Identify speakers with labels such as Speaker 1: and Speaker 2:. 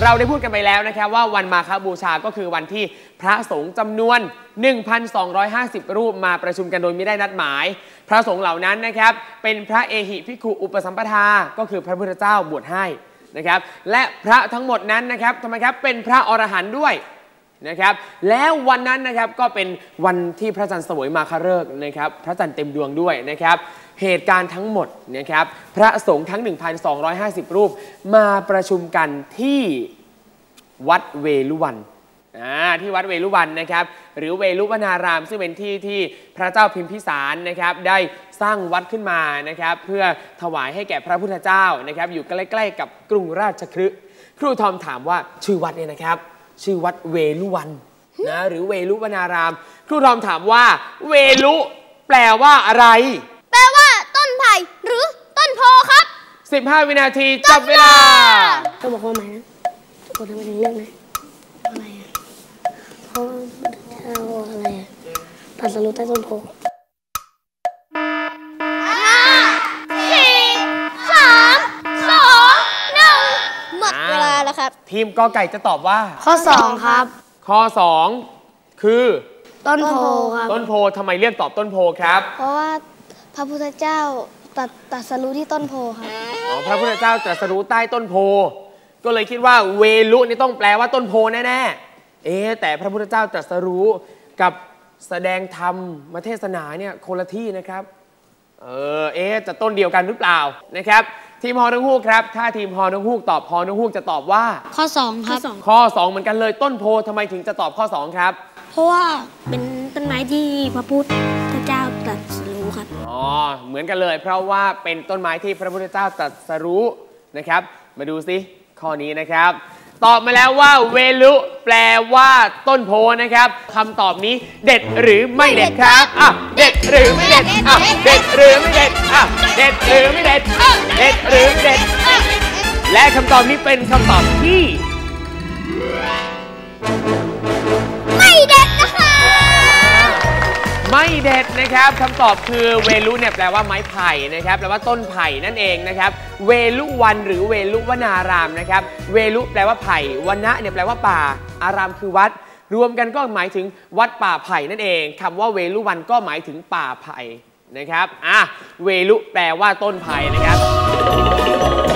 Speaker 1: เราได้พูดกันไปแล้วนะครับว่าวันมาฆบูชาก็คือวันที่พระสงฆ์จำนวน 1,250 รูปมาประชุมกันโดยไม่ได้นัดหมายพระสงฆ์เหล่านั้นนะครับเป็นพระเอหิภิกขุอุปสัมปทาก็คือพระพุทธเจ้าบวชให้นะครับและพระทั้งหมดนั้นนะครับทำไมครับเป็นพระอรหันต์ด้วยนะครับแล้ววันนั้นนะครับก็เป็นวันที่พระจันทร์เสวยมาฆฤกษ์นะครับพระจันทร์เต็มดวงด้วยนะครับเหตุการณ์ทั้งหมดนะครับพระสงฆ์ทั้ง 1,250 รูปมาประชุมกันที่วัดเวลุวันที่วัดเวลุวันนะครับหรือเวลุวนารามซึ่งเป็นที่ที่พระเจ้าพิมพิสารนะครับได้สร้างวัดขึ้นมานะครับเพื่อถวายให้แก่พระพุทธเจ้านะครับอยู่ใกล้ๆกับกรุงราชคฤห์ครูทอมถามว่าชื่อวัดเนี่ยนะครับชื่อวัดเวลุวันนะหรือเวลุวนารามครูทอมถามว่าเวลุแปลว่าอะไร
Speaker 2: แปลว่าต้นไผ่หรือต้นโพครับ
Speaker 1: 15 วินาทีจับเวลา
Speaker 2: ต้องบอกว่าไหมนะคนทำเป็นเรื่องนะอะไรเพราะอะไรตรัสรู้ใต้ต้นโพ5 4 3 2 1หมดเวลาแล้วครับ
Speaker 1: ทีมกอไก่จะตอบว่า
Speaker 2: ข้อ2ครับ
Speaker 1: ข้อ2คือ
Speaker 2: ต้นโพครับ
Speaker 1: ต้นโพทำไมเลือกตอบต้นโพครับ
Speaker 2: เพราะว่าพระพุทธเจ้าตรัสรู้ที่ต้นโพครับ
Speaker 1: พระพุทธเจ้าตรัสรู้ใต้ต้นโพก็เลยคิดว่าเวลุนี่ต้องแปลว่าต้นโพแน่ๆแต่พระพุทธเจ้าตรัสรู้กับแสดงธรรมมาเทศนาเนี่ยคนละที่นะครับจะต้นเดียวกันหรือเปล่านะครับทีมฮอนังฮูกครับถ้าทีมฮอนังฮูกตอบฮอนังฮูกจะตอบว่า
Speaker 2: ข้อ2ครับ
Speaker 1: ข้อ2เหมือนกันเลยต้นโพทำไมถึงจะตอบข้อ2ครับ
Speaker 2: เพราะว่าเป็นต้นไม้ที่พระพุทธเจ้าตรัสรู้ครับ
Speaker 1: เหมือนกันเลยเพราะว่าเป็นต้นไม้ที่พระพุทธเจ้าตรัสรู้นะครับมาดูสิข้อนี้นะครับตอบมาแล้วว่าเวลุแปลว่าต้นโพนะครับคำตอบนี้เด็ดหรือไม่เด็ดครับเด็ดหรือไม่เด็ดเด็ดหรือไม่เด็ดเด็ดหรือไม่เด็ดเด็ดหรือไม่เด็ดและคำตอบนี้เป็นคำตอบที่
Speaker 2: ไม่เด็ดนะคะ
Speaker 1: ไม่เด็ดนะครับคำตอบคือเวลุเนี่ยแปลว่าไม้ไผ่นะครับแปลว่าต้นไผ่นั่นเองนะครับเวลุวันหรือเวลุวนารามนะครับเวลุแปลว่าไผ่วนะเนี่ยแปลว่าป่าอารามคือวัดรวมกันก็หมายถึงวัดป่าไผ่นั่นเองคำว่าเวลุวันก็หมายถึงป่าไผ่นะครับเวลุแปลว่าต้นไผ่นะครับ